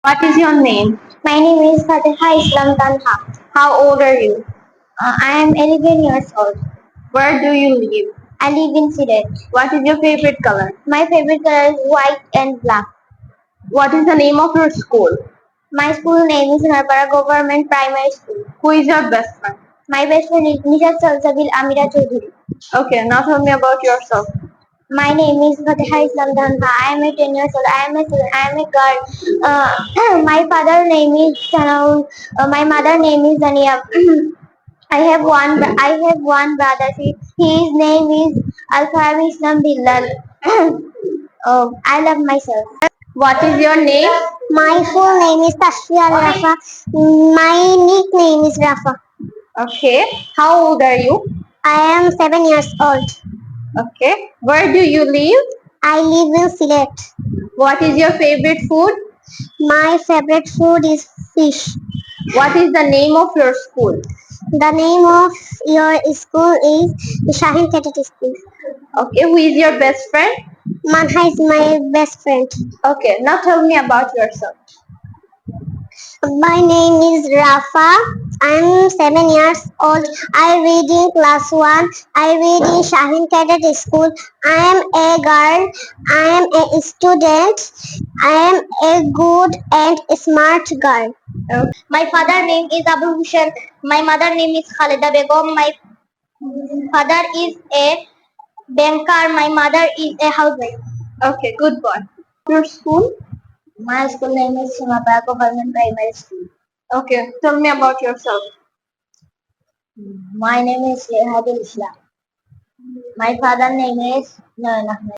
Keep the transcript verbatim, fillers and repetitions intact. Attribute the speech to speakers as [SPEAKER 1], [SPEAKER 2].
[SPEAKER 1] What is your name?
[SPEAKER 2] My name is Fatiha Islam Tanha.
[SPEAKER 1] How old are you?
[SPEAKER 2] Uh, I am eleven years old.
[SPEAKER 1] Where do you live?
[SPEAKER 2] I live in Siret.
[SPEAKER 1] What is your favorite color?
[SPEAKER 2] My favorite color is white and black.
[SPEAKER 1] What is the name of your school?
[SPEAKER 2] My school name is Narpara Government Primary School.
[SPEAKER 1] Who is your best friend?
[SPEAKER 2] My best friend is Nishat Salsabil Amira Choudhury.
[SPEAKER 1] Okay, now tell me about yourself.
[SPEAKER 2] My name is Fatiha Islam Tanha. I am a ten years old. I am a student. I am a girl. Uh, my father name is Sanaul. Uh, my mother name is Zania. I have one. br- I have one brother. He, his name is Alfarabi Islam Bilal. Oh, I love myself.
[SPEAKER 1] What is your name?
[SPEAKER 2] My full name is Tashfi Al Rafa. My nickname is Rafa.
[SPEAKER 1] Okay, how old are you?
[SPEAKER 2] I am seven years old.
[SPEAKER 1] Okay, where do you live?
[SPEAKER 2] I live in Sylhet.
[SPEAKER 1] What is your favorite food?
[SPEAKER 2] My favorite food is fish.
[SPEAKER 1] What is the name of your school?
[SPEAKER 2] The name of your school is Shahin Cadet School.
[SPEAKER 1] Okay, who is your best friend?
[SPEAKER 2] Manha is my best friend.
[SPEAKER 1] Okay, now tell me about yourself.
[SPEAKER 2] My name is Rafa. I'm seven years old. I read in class one. I read in Shahin Cadet School. I am a girl. I am a student. I am a good and smart girl.
[SPEAKER 1] Okay.
[SPEAKER 2] My father name is Abu Hussein. My mother name is Khalida Begum. My father is a banker. My mother is a housewife.
[SPEAKER 1] Okay, good one. Your school?
[SPEAKER 2] My school name is Simapaya Government Primary School.
[SPEAKER 1] Okay, tell me about yourself.
[SPEAKER 2] My name is Shehadul Islam. My father name is Nayan Ahmed.